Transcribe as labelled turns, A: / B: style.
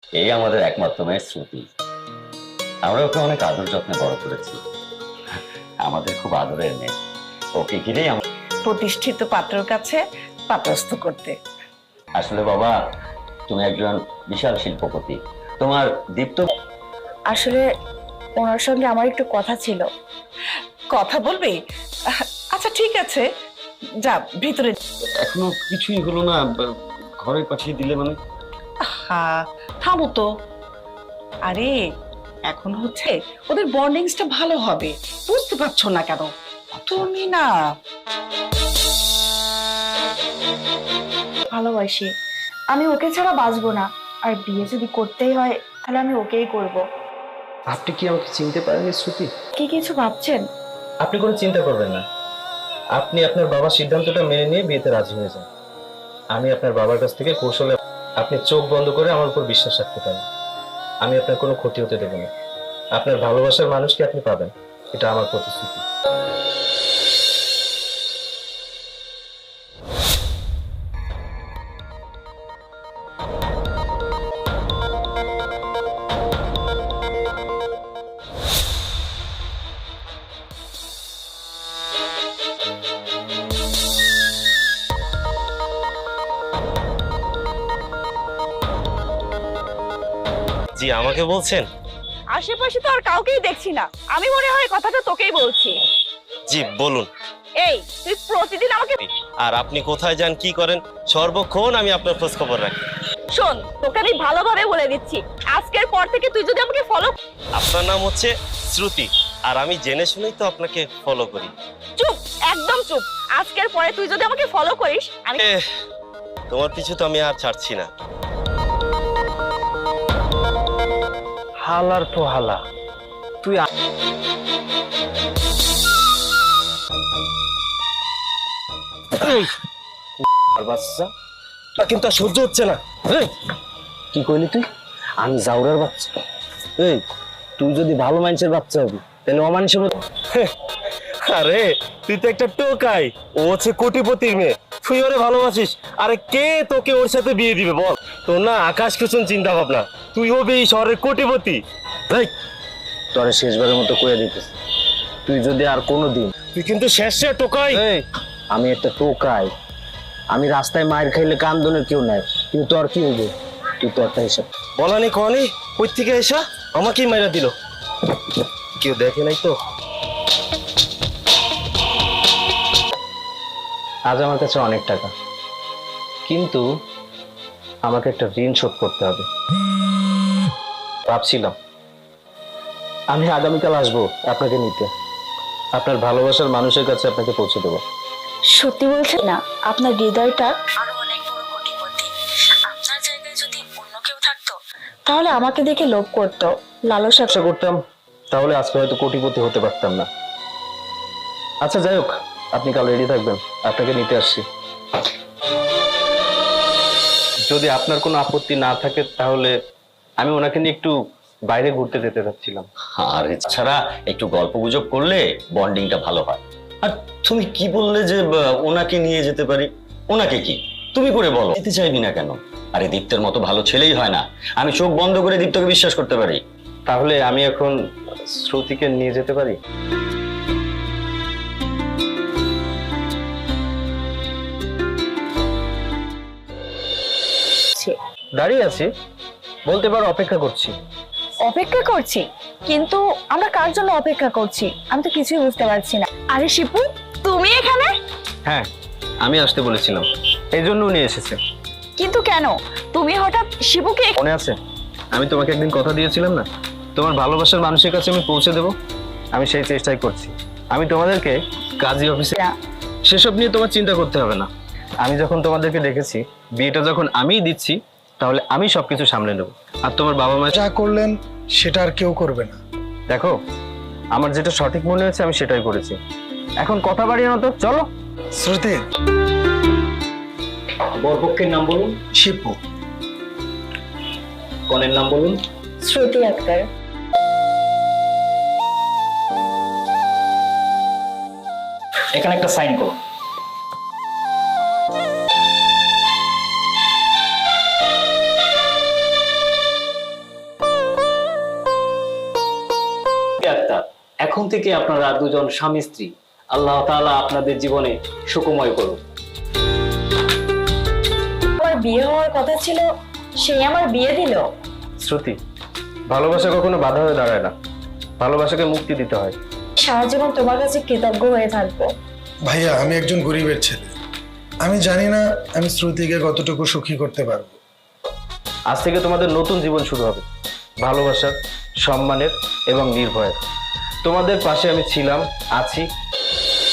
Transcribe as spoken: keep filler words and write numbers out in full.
A: এই আমাদের একমাত্র মেয়ে শ্রুতি। আমরা ওকে অনেক আদর যত্নে বড় করেছি। আমাদের খুব আদরের মেয়ে। ওকে ঘিরেই আমরা
B: প্রতিষ্ঠিত পাত্রর কাছে পাত্রস্থ করতে।
A: আসলে বাবা, তুমি একজন বিশাল শিল্পপতি। তোমার দীপ্ত
B: আসলে ওনার সঙ্গে আমার একটু কথা ছিল। কথা বলবি? আচ্ছা ঠিক আছে, যা ভিতরে।
A: এখনো কিছুই হলো না, ঘরে পাঠিয়ে দিলে মানে?
B: হ্যাঁ, থামো তো। আরে এখন হচ্ছে ওদের বন্ডিংসটা ভালো হবে, বুঝতে পারছো না কেন? তুমি না
C: ভালোবাসি, আমি ওকে ছাড়া বাঁচবো না। আর বিয়ে যদি করতেই হয় তাহলে আমি ওকেই করব।
D: আপনি কি আমাকে চিনতে পারেননি শ্রুতি?
C: কি কিছু ভাবছেন?
D: আপনি কোনো চিন্তা করবেন না। আপনি আপনার বাবার সিদ্ধান্তটা মেনে নিয়ে বিয়েতে রাজি হয়ে যান। আমি আপনার বাবার কাছ থেকে কৌশলে আপনি চোখ বন্ধ করে আমার উপর বিশ্বাস রাখতে পারেন। আমি আপনার কোনো ক্ষতি হতে দেব না। আপনার ভালোবাসার মানুষকে আপনি পাবেন, এটা আমার প্রতিশ্রুতি। জি, আমাকে বলছেন?
B: আশেপাশে তো আর কাউকেই দেখছি না, আমি মনে হয় কথাটা তোকেই বলছি।
D: জি বলুন।
B: এই তুই প্রতিদিন আমাকে
D: আর আপনি কোথায় যান, কি করেন, সর্বক্ষণ আমি আপনার খোঁজ খবর রাখি।
B: শোন, তোকে আমি ভালোভাবে বলে দিচ্ছি, আজকের পর থেকে তুই যদি আমাকে ফলো।
D: আপনার নাম হচ্ছে শ্রুতি, আর আমি জেনে শুনেই তো আপনাকে ফলো করি।
B: চুপ, একদম চুপ। আজকের পরে তুই যদি আমাকে ফলো করিস আমি
D: এ, তোমার পিছু তো আমি আর ছাড়ছি না। হালার তো হালা, তুই বাচ্চা কিন্তু আর সহ্য হচ্ছে না। এই, কি কইলি তুই? আমি জাউরার বাচ্চা? এই, তুই যদি ভালো মানুষের বাচ্চা হবি তাহলে অমানুষের মতো। আরে তুই তো একটা টোকাই, ও হচ্ছে কোটিপতির মেয়ে, তুই ওরে ভালোবাসিস। আরে কে তোকে ওর সাথে বিয়ে দিবে বল? তোর না আকাশ কুসুম চিন্তা ভাবনা, তুই হবি এই শহরের কোটিপতি। এই, তোরে শেষবারের মতো কইয়া দিতেছ, তুই যদি আর কোনোদিন, তুই কিন্তু শেষে টোকাই। আমি একটা টোকাই, আমি রাস্তায় মায়ের খাইলে কান্দনের কেউ নাই, কিন্তু তোর কি হইবে? তুই তো একটা হিসাব বলানি কনি কই থেকে এসা আমাকেই মাইরা দিল, কেউ দেখে নাই তো। আজ আমার কাছে অনেক টাকা, কিন্তু আমাকে একটা ঋণ শোধ করতে হবে। ভাবছিলাম আমি আগামীকাল আসবো আপনাকে নিতে, আপনার ভালোবাসার মানুষের কাছে আপনাকে পৌঁছে দেবো।
C: সত্যি বলছেন না? আপনার হৃদয়টা আরো অনেক বড় কোটিপতি। আপনার জায়গায় যদি অন্য কেউ থাকতো তাহলে আমাকে দেখে লোভ করতো, লালসা
D: আশা করতাম, তাহলে আজকে হয়তো কোটিপতি হতে পারতাম না। আচ্ছা যাই হোক, আপনি কাল রেডি থাকবেন, আপনাকে নিতে আসছি। যদি আপনার কোনো আপত্তি না থাকে তাহলে আমি ওনাকে নিয়ে একটু বাইরে ঘুরতে যেতে চাচ্ছিলাম।
A: আর এছাড়া একটু গল্প গুজব করলে বন্ডিংটা ভালো হয়। আর তুমি কি বললে যে আহ, ওনাকে নিয়ে যেতে পারি? ওনাকে কি তুমি করে বলো, যেতে চাইবি না কেন? আরে দীপ্তের মতো ভালো ছেলেই হয় না, আমি চোখ বন্ধ করে দীপ্তকে বিশ্বাস করতে পারি।
D: তাহলে আমি এখন শ্রুতিকে নিয়ে যেতে পারি? দাঁড়িয়ে আছি, বলতে পারো অপেক্ষা করছি।
C: অপেক্ষা করছি, কিন্তু আমরা কার জন্য অপেক্ষা করছি আমি তো কিছুই বুঝতে পারছি না। আরে শিপু, তুমি এখানে?
D: হ্যাঁ, আমি আসতে বলেছিলাম, এই জন্য উনি এসেছে।
C: কিন্তু কেন? তুমি হঠাৎ শিপুকে?
D: মনে আছে আমি তোমাকে একদিন কথা দিয়েছিলাম না, তোমার ভালোবাসার মানুষের কাছে আমি পৌঁছে দেব? আমি সেই চেষ্টাই করছি। আমি তোমাদেরকে কাজী অফিসে, সেসব নিয়ে তোমার চিন্তা করতে হবে না। আমি যখন তোমাদেরকে ডেকেছি, বিয়েটা যখন আমিই দিচ্ছি, তাহলে আমি সবকিছু সামলে নেব। আর তোমার বাবা মা
E: যা করলেন সেটা আর কেউ করবে না।
D: দেখো, আমার যেটা সঠিক মনে হয়েছে আমি সেটাই করেছি। এখন কথা বাড়িয়ে না তো, চলো।
E: শ্রুতি,
D: বরপক্ষের নাম বলুন।
E: শিপু।
D: কনের নাম বলুন।
C: শ্রুতি আক্তার।
F: এখানে একটা সাইন করুন। এখন থেকে আপনারা দুজন স্বামী স্ত্রী। আল্লাহ তাআলা আপনাদের জীবনে সুখময় করুন।
C: আমার বিয়ে হওয়ার কথা ছিল, সে আমার বিয়ে দিল।
D: শ্রুতি, ভালোবাসা কখনো বাধা হয়ে দাঁড়ায় না, ভালোবাসাকে মুক্তি দিতে হয়।
C: সারা জীবন তোমার কাছে কৃতজ্ঞ হয়ে থাকবো।
E: ভাইয়া, আমি একজন গরিবের ছেলে। আমি জানি না আমি শ্রুতিকে কতটুকু সুখী করতে পারবো।
D: আজ থেকে তোমাদের নতুন জীবন শুরু হবে, ভালোবাসার, সম্মানের এবং নির্ভয়ের। তোমাদের পাশে আমি ছিলাম, আছি